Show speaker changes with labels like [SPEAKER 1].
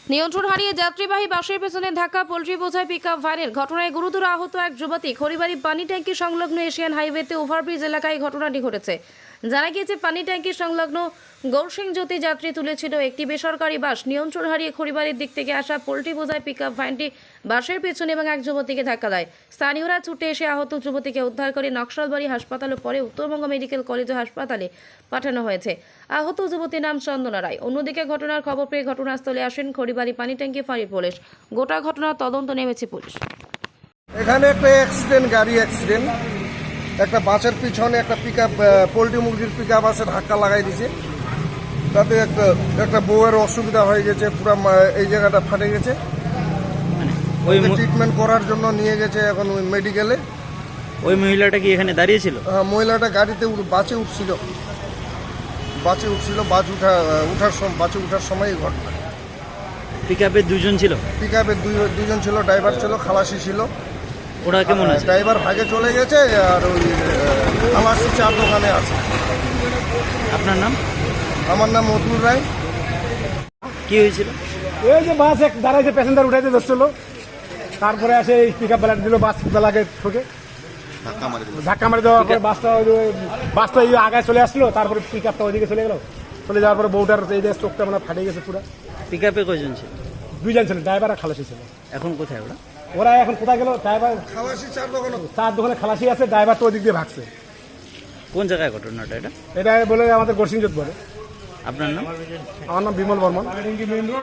[SPEAKER 1] নিয়ন্ত্রণ হারিয়ে যাত্রীবাহী বাসের পেছনে ধাক্কা পোল্ট্রি বোঝাই পিকআপ ভ্যানের ঘটনায় গুরুতর আহত এক যুবতী। খড়িবাড়ি পানি ট্যাঙ্কি সংলগ্ন এশিয়ান হাইওয়েতে ওভারব্রিজ এলাকায় ঘটনাটি ঘটেছে। জানা গিয়েছে, পানি ট্যাঙ্কি সংলগ্ন গৌরসিং জ্যোতি যাত্রী তুলেছিল একটি বেসরকারি বাস। নিয়ন্ত্রণ হারিয়ে খড়িবাড়ির দিক থেকে আসা পোল্ট্রি বোঝাই পিকআপ ভ্যানটি বাসের পেছনে এবং এক যুবতীকে ধাক্কা দেয়। স্থানীয়রা ছুটে এসে আহত যুবতীকে উদ্ধার করে নকশালবাড়ি হাসপাতাল ও পরে উত্তরবঙ্গ মেডিকেল কলেজ ও হাসপাতালে পাঠানো হয়েছে। আহত যুবতীর নাম চন্দনা রায়। অন্যদিকে ঘটনার খবর পেয়ে ঘটনাস্থলে আসেন খড়িবাড়ি পানি ট্যাঙ্কি ফাঁড়ির পুলিশ। গোটা ঘটনার তদন্ত নেমেছে পুলিশ।
[SPEAKER 2] এখানে একটা গাড়ি অ্যাক্সিডেন্ট, একটা বাসের পিছনে একটা পিকআপ, পোল্ট্রি মুরগির পিকআপ আছে, ধাক্কা লাগাই দিয়েছে। তাতে একটা বউয়ের অসুবিধা হয়ে গেছে, পুরো এই জায়গাটা ফাটে গেছে। ওই ট্রিটমেন্ট করার জন্য নিয়ে গেছে এখন মেডিকেলে।
[SPEAKER 3] ওই মহিলাটা কি এখানে দাঁড়িয়ে ছিল?
[SPEAKER 2] মহিলাটা গাড়িতে বাসে উঠছিল, বাসে উঠার সময় এই ঘটনা।
[SPEAKER 3] পিকআপে দুজন ছিল?
[SPEAKER 2] পিকআপে দুজন ছিল, ড্রাইভার ছিল, খালাসি ছিল।
[SPEAKER 3] ওরা কেমন আছে?
[SPEAKER 2] ড্রাইভার ভাগে চলে গেছে আর ওই খালাসি চার দোকানে আছে।
[SPEAKER 3] আপনার নাম?
[SPEAKER 2] আমার নাম মতুল রায়।
[SPEAKER 3] কি হয়েছিল?
[SPEAKER 4] এই যে বাস এক দাঁড়াইছে, প্যাসেঞ্জার উঠাইতে ধরছিল, তারপরে আসে এই পিক আপ বেলাটা দিল, বাস বেলাকে ঠকে ধাক্কা মারি দেওয়ার পরে বাসটা এই আগায় চলে আসলো, তারপরে পিক আপটা ওইদিকে চলে গেল। চলে যাওয়ার পরে বউটার এই যে চোখটা মানে ফাটে গেছে পুরো।
[SPEAKER 3] পিকআপে কয়জন ছিল?
[SPEAKER 4] দুইজন ছিল, ড্রাইভার আর খালাসি ছিল।
[SPEAKER 3] এখন কোথায় ওরা?
[SPEAKER 4] ওরা এখন কোথায় গেল? ড্রাইভার
[SPEAKER 2] খালাসি
[SPEAKER 4] চার দোকানে খালাসি আছে, ড্রাইভার তো ওই দিক দিয়ে ভাগছে।
[SPEAKER 3] কোন জায়গায় ঘটনাটা এটা?
[SPEAKER 4] এটা বলে আমাদের গৌরসিং জ্যোতি বলে।
[SPEAKER 3] আপনার নাম?
[SPEAKER 4] আমার নাম বিমল বর্মন।